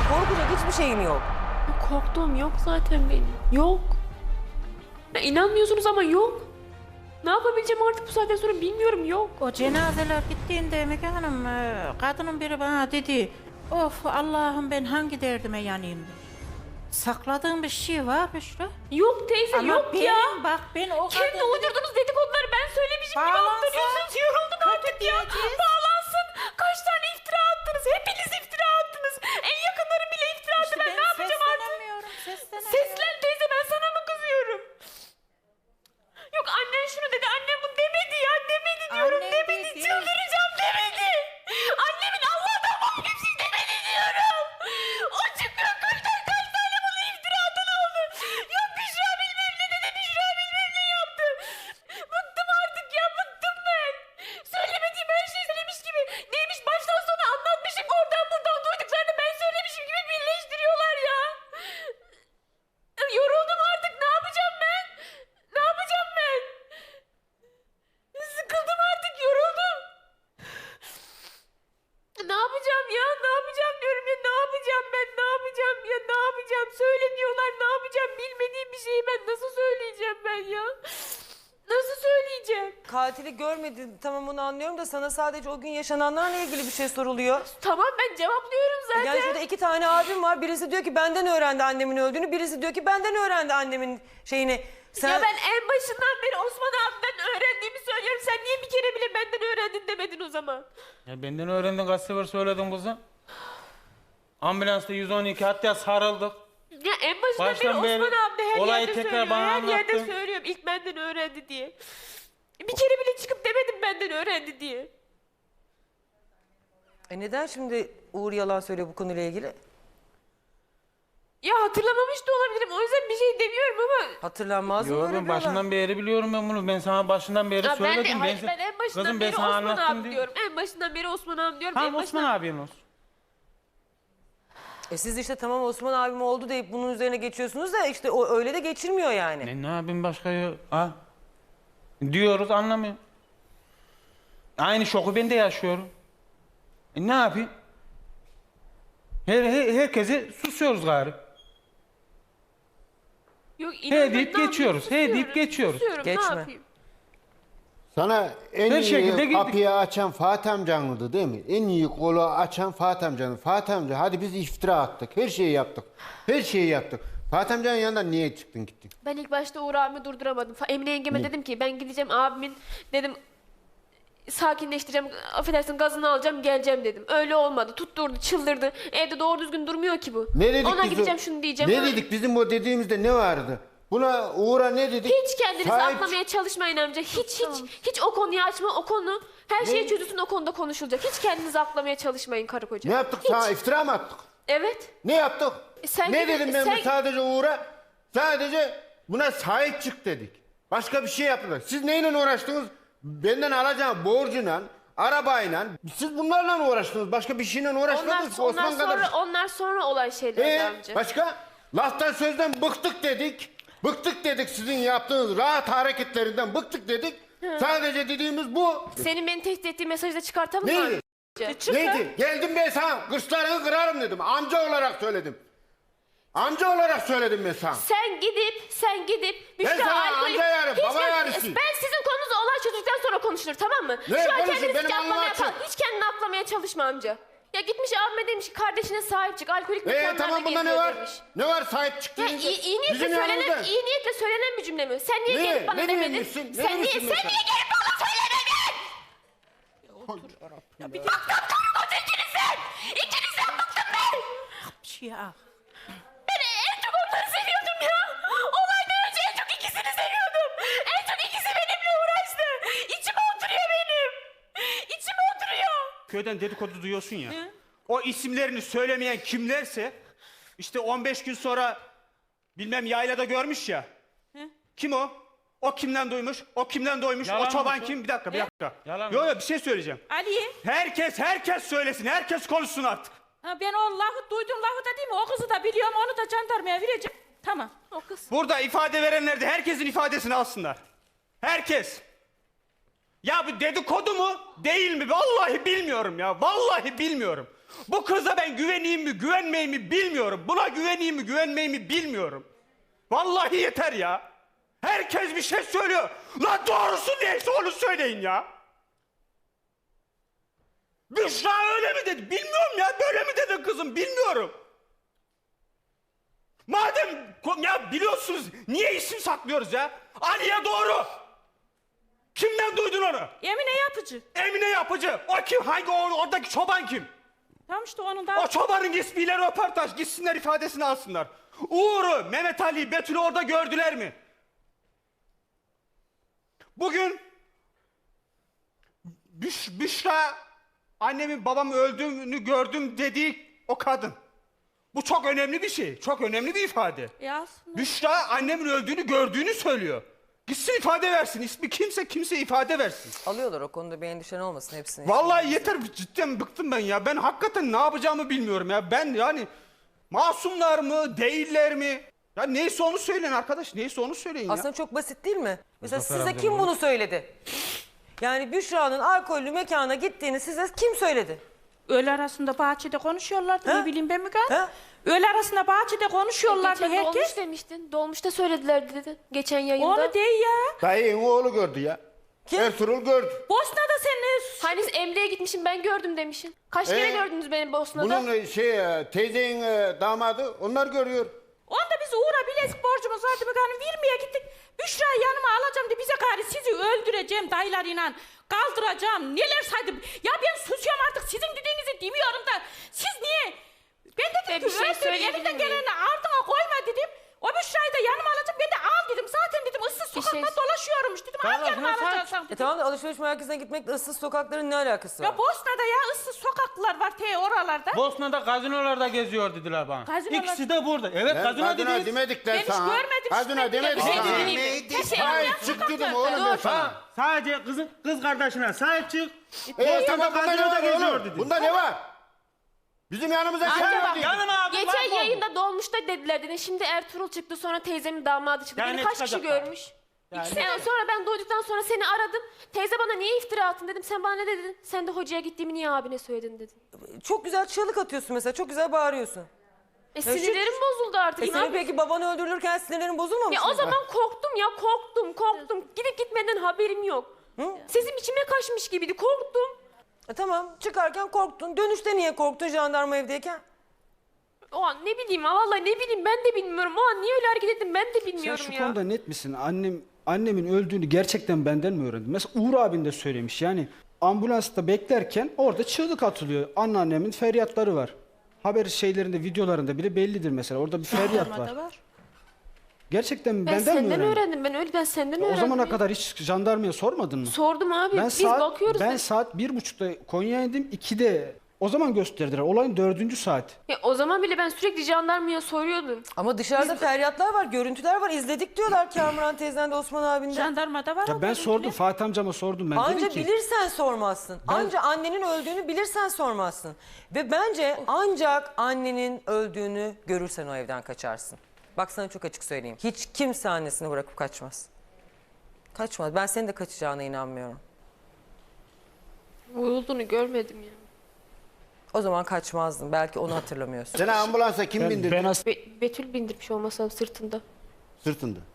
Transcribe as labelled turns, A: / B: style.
A: Korkacak hiçbir şeyim yok.
B: Korktuğum yok zaten benim. Yok. Ya inanmıyorsunuz ama yok. Ne yapabileceğim artık bu saatten sonra bilmiyorum, yok.
C: O cenazeler gittiğinde Müge Hanım, kadının biri bana dedi, of Allah'ım ben hangi derdime yanayım dedi. Sakladığım bir şey var Büşra.
B: Yok teyze,
C: Ama
B: yok
C: benim,
B: ya.
C: bak ben o
B: Kendi
C: kadın...
B: uydurduğunuz dedikoduları ben söylemişim gibi
C: Bağlansın.
B: aktarıyorsunuz. Yoruldum artık ya.
C: diyeceğiz.
B: Bağlansın. Kaç tane iftira attınız. Hepiniz iftira attınız. En yakınlarım bile iftira attı.
C: İşte
B: Ben ne yapacağım artık?
C: Seslenemiyorum.
B: Seslen teyze, ben sana mı kızıyorum? Yok annen şunu dedi, annem bunu demedi ya, demedi diyorum,
C: Anne
B: demedi,
C: dedi.
B: çıldıracağım, demedi. Annemin Allah'tan başka bir şey demedi diyorum. O çıkıyor, kaç tane bunu iftira atan oldu. Yok Büşra bilmem ne dedi, Büşra bilmem ne yaptı. Bıktım artık ya, bıktım ben. Söylemediğim her şeyi söylemiş gibi. Neymiş baştan sona anlatmışım, oradan buradan duyduklarını ben söylemişim gibi birleştiriyorlar ya. Yoruldum artık, ne yapacağım ben? Ne yapacağım ben? Sıkıldım artık, yoruldum. Ne yapacağım ya? Ne yapacağım diyorum ya. Ne yapacağım ben? Ne yapacağım ya? Ne yapacağım? Söyle diyorlar. Ne yapacağım? Bilmediğim bir şeyi ben nasıl söyleyeceğim ben ya? Nasıl söyleyeceğim?
A: Katili görmedin, tamam onu anlıyorum da sana sadece o gün yaşananlarla ilgili bir şey soruluyor.
B: Tamam, ben cevaplıyorum zaten.
A: Yani şurada iki tane abim var. Birisi diyor ki benden öğrendi annemin öldüğünü. Birisi diyor ki benden öğrendi annemin şeyini. Sen...
B: Ya ben en başından beri Osman abimden öğrendiğimi söylüyorum. Sen niye bir kere bile benden öğrendin demedin o zaman?
D: Ya benden öğrendin, kaç sefer söyledin kızım. Ambulansta 112 hatta sarıldık.
B: Ya en başından
D: Baştan
B: beri Osman
D: beri
B: abi de her
D: olayı
B: yerde
D: tekrar
B: söylüyor.
D: bana
B: Her yerde
D: anlattın.
B: söylüyorum ilk benden öğrendi diye. Bir kere bile çıkıp demedim benden öğrendi diye.
A: Neden şimdi Uğur yalan söylüyor bu konuyla ilgili?
B: Ya hatırlamamış da olabilirim. O yüzden bir şey demiyorum ama...
A: Hatırlanmaz mı
D: Yo,
A: öyle
D: ben
A: bir olay?
D: başından beri biliyorum ben bunu. Ben sana başından beri
B: Ya ben, de,
D: söyledim.
B: hayır, ben en başından
D: kızım,
B: beri
D: ben sana
B: Osman
D: anlattım
B: abi
D: diye.
B: diyorum. En başından beri Osman abi diyorum.
D: Tamam,
B: en
D: Osman
B: başından...
D: abin olsun.
A: Siz işte tamam Osman abim oldu deyip bunun üzerine geçiyorsunuz da işte o öyle de geçilmiyor yani.
D: Ne yapayım başka ya? Ha? Diyoruz, anlamıyor. Aynı şoku ben de yaşıyorum. Ne yapayım? Herkese susuyoruz gari.
B: Yok, inan ben
D: deyip
B: ne yapayım?
D: geçiyoruz, he deyip
B: Susuyorum,
D: geçiyoruz.
B: susuyorum,
A: Geçme.
B: ne yapayım?
E: Sana en
D: Her
E: iyi
D: şekilde girdik.
E: kapıyı açan Fatih amcandı değil mi? En iyi kolu açan Fatih amcandı. Fatih amca hadi biz iftira attık. Her şeyi yaptık. Her şeyi yaptık. Fatih amcanın yanından niye çıktın gittin?
B: Ben ilk başta Uğur abimi durduramadım. Emine yengeme dedim ki ben gideceğim abimin dedim sakinleştireceğim, affedersin gazını alacağım geleceğim dedim. Öyle olmadı, tutturdu, çıldırdı. Evde doğru düzgün durmuyor ki bu.
E: Ne dedik
B: Ona
E: biz
B: gideceğim
E: o-
B: şunu diyeceğim.
E: Ne
B: ona-
E: dedik bizim o dediğimizde ne vardı? Buna Uğur'a ne dedik?
B: Hiç kendinizi
E: Sahip-
B: aklamaya çalışmayın amca. Hiç o konuyu açma, o konu her şey çözülsün, o konuda konuşulacak. Hiç kendinizi aklamaya çalışmayın karı koca.
E: Ne yaptık
B: Hiç.
E: sana, iftira mı attık?
B: Evet.
E: Ne yaptık?
B: Sen
E: ne
B: gibi-
E: dedim ben
B: sen-
E: sadece Uğur'a? Sadece buna sahip çık dedik. Başka bir şey yapmadık. Siz neyle uğraştınız? Benden alacağım borcuyla, arabayla. Siz bunlarla uğraştınız. Başka bir şeyle uğraşmadınız.
B: Onlar sonra olan şeyler amca.
E: Başka? Laftan sözden bıktık dedik. Bıktık dedik sizin yaptığınız rahat hareketlerinden bıktık dedik. Sadece dediğimiz bu.
B: Senin beni tehdit ettiğin mesajı da çıkartalım mı?
E: Neydi?
B: amca?
E: Neydi? Geldim ben sana kırçlarını kırarım dedim. Amca olarak söyledim. Amca olarak söyledim ben sana.
B: Sen gidip
E: Ben sana amca yarım, baba yarısı.
B: Ben sizin konunuzda olay çözdükten sonra konuşulur, tamam mı?
E: Ne
B: Şu an
E: konuşun?
B: kendini
E: Benim
B: hiç kendini aklamaya çalışma amca. Ya gitmiş abime demiş ki kardeşine sahip çık, alkolik mekanlarda
E: Tamam bunda ne
B: geziyor
E: var?
B: demiş.
E: Ne var sahip çıktı?
B: Ya iyi niyetle söylenen bir cümle mi? Sen niye
E: Ne?
B: gelip bana
E: Ne
B: demedin?
E: diyormuşsun? Ne
B: Sen niye
E: diyorsun mesela?
B: gelip bana söylemedin? Bıktım ikinizden! İkinizden bıktım ben!
C: Ya.
B: Ben en çok onları seviyordum ya. Olaydan önce en çok ikisini seviyordum. En çok ikisi benimle uğraştı. İçime oturuyor benim. İçime oturuyor.
F: Köyden dedikodu duyuyorsun ya. O isimlerini söylemeyen kimlerse işte 15 gün sonra bilmem yaylada görmüş ya. Kim o? O kimden duymuş? O kimden duymuş?
D: Yalan
F: o çoban
D: mı?
F: kim? Bir dakika.
D: Yalan
F: Yo
D: mı?
F: yo bir şey söyleyeceğim.
C: Ali.
F: Herkes söylesin. Herkes konuşsun artık.
C: Ha, ben o lafı duydum lafı da değil mi? O kızı da biliyorum, onu da jandarmaya vereceğim. Tamam.
B: O kız.
F: Burada ifade verenler de herkesin ifadesini alsınlar. Herkes. Ya bu dedikodu mu? Değil mi? Vallahi bilmiyorum ya. Vallahi bilmiyorum. Bu kıza ben güveneyim mi, güvenmeyeyim mi bilmiyorum. Buna güveneyim mi, güvenmeyeyim mi bilmiyorum. Vallahi yeter ya. Herkes bir şey söylüyor. Lan doğrusu neyse onu söyleyin ya. Büşra öyle mi dedi? Bilmiyorum ya. Böyle mi dedin kızım? Bilmiyorum. Madem ya biliyorsunuz niye isim saklıyoruz ya? Aliye doğru. Kimden duydun onu?
B: Emine Yapıcı.
F: Emine Yapıcı. O kim? Hangi oradaki çoban kim?
B: Tam işte onun da...
F: O çobanın ismiyle röportaj. Gitsinler ifadesini alsınlar. Uğur'u, Mehmet Ali, Betül'ü orada gördüler mi? Bugün Büşra annemin babamın öldüğünü gördüm dediği o kadın. Bu çok önemli bir şey. Çok önemli bir ifade.
B: Ya aslında...
F: Büşra annemin öldüğünü gördüğünü söylüyor. Gitsin ifade versin. İsmi kimse ifade versin.
A: Alıyorlar, o konuda bir endişen olmasın hepsini.
F: Vallahi yeter, cidden bıktım ben ya. Ben hakikaten ne yapacağımı bilmiyorum ya. Ben yani masumlar mı değiller mi? Ya neyse onu söyleyin arkadaş. Neyse onu söyleyin ya.
A: Aslında çok basit değil mi? Mesela
D: Zafer
A: size
D: amca
A: kim
D: bunu-
A: bunu söyledi? Yani Büşra'nın alkollü mekana gittiğini size kim söyledi?
B: Öğle arasında bahçede konuşuyorlardı.
A: Ha?
B: Ne bileyim ben Müge Hanım.
A: Ha?
B: Öğle arasında bahçede konuşuyorlardı
G: Geçen
B: herkes.
G: dolmuş demiştin. Dolmuşta söylediler dedin. Geçen yayında.
B: Onu değil ya.
E: Dayının oğlu gördü ya.
A: Kim?
E: Ertuğrul gördü.
B: Bosna'da sen ne...
G: Hani Emre'ye gitmişim ben gördüm demişsin. Kaç kere gördünüz beni Bosna'da?
E: Bunun teyzenin damadı onlar görüyor.
B: Onda biz Uğur'a bilezik borcumuz vardı Müge Hanım. Vermeye gittik. Büşra'yı yanıma alacağım diye bize gari sizi öldüreceğim dayılarıyla. Kaldıracağım. Neler saydım. Ya ben susuyorum artık. Sizin dediğinizi demiyorum da. Siz niye? Ben
G: Ben
B: dedim
G: bir
B: ki
G: şey
B: öldür.
G: söyleyebilir
B: Elinden
G: miyim?
B: geleni ardına koyma dedim. O Büşra'yı da yanıma alacağım. Ben de al dedim. Zaten dedim ıssız
G: Bir
B: sokakta
G: şey-
B: dolaşıyormuş dedim. Al
D: Tamam,
B: yanıma
D: sen-
B: alacaksan dedim.
A: Tamam da alışveriş merkezine gitmekle ıssız sokakların ne alakası var?
B: Ya Bosna'da ya ıssız sokaklar var oralarda.
D: Bosna'da gazinolarda geziyor dediler bana.
B: Gazinolar-
D: İkisi de burada. Evet, gazino
E: Kadına
D: dediniz.
E: demedik
B: Ben
E: lan
B: hiç
E: sana.
B: görmedim
E: Kadına
B: işte.
E: demedik
B: Bir şey
E: sana.
B: dinleyeyim. Kesin
E: Hayır
B: yan
E: çık dedim
B: sokaklarda.
E: oğlum ben
B: Dur.
E: sana.
D: Sadece kız kardeşine sahip çık.
E: Tamam bunda ne
D: gazinoda
E: var
D: geziyor
E: oğlum?
D: dedi.
E: Bunda ne var? Bizim yanımıza kim
G: Acaba-
E: verdi?
D: Yanıma aldım.
G: Geçen
D: lan
G: yayında dolmuşta dediler dedin. Şimdi Ertuğrul çıktı sonra teyzemin damadı çıktı.
D: Yani
G: Beni kaç kişi
D: çıkacaklar.
G: görmüş? Sonra ben duyduktan sonra seni aradım. Teyze bana niye iftira attın dedim. Sen bana ne dedin? Sen de hocaya gittiğimi niye abine söyledin dedin.
A: Çok güzel çığlık atıyorsun mesela, çok güzel bağırıyorsun.
G: Sinirlerim bozuldu artık. Ne
A: Senin
G: yapayım?
A: peki babanı öldürülürken sinirlerin bozulmamış
G: Ya
A: mı?
G: o zaman korktum ya korktum. Gidip gitmeden haberim yok. Sesim içime kaçmış gibiydi korktum.
A: Tamam, çıkarken korktun. Dönüşte niye korktun jandarma evdeyken?
G: O an ne bileyim vallahi ne bileyim ben de bilmiyorum. O an niye öyle hareket ettim ben de
H: Sen
G: bilmiyorum
H: şu
G: ya.
H: konuda net misin? Annemin öldüğünü gerçekten benden mi öğrendin? Mesela Uğur abin de söylemiş. Yani ambulansta beklerken orada çığlık atılıyor. Anneannemin feryatları var. Haber şeylerinde, videolarında bile bellidir mesela. Orada bir feryat var.
B: Jandarmada var.
H: Gerçekten
G: Ben
H: benden mi
G: senden
H: öğrendin?
G: öğrendim. Ben senden
H: O
G: öğrendim.
H: zamana
G: ya.
H: kadar hiç jandarmaya sormadın mı?
G: Sordum abi. Biz bakıyoruz.
H: Ben saat 1.30'da Konya'ya indim. 2'de o zaman gösterdiler. Olayın 4. saat.
G: Ya o zaman bile ben sürekli jandarmaya soruyordum.
A: Ama dışarıda feryatlar var, görüntüler var. İzledik diyorlar Kamuran teyzen de Osman abin de.
B: Jandarmada var.
H: Ya
B: o
H: ben
B: görüntüler.
H: sordum. Fatih amcama sordum. Ben
A: Anca
H: dedim ki
A: bilirsen sormazsın. Anca annenin öldüğünü bilirsen sormazsın. Ve bence ancak annenin öldüğünü görürsen o evden kaçarsın. Bak sana çok açık söyleyeyim. Hiç kimse annesini bırakıp kaçmaz. Kaçmaz. Ben senin de kaçacağına inanmıyorum.
G: Vurulduğunu görmedim ya.
A: O zaman kaçmazdın. Belki onu hatırlamıyorsun.
E: Seni ambulansa kim bindirdi?
H: ben
G: Betül bindirmiş olmasam sırtında.
E: Sırtında.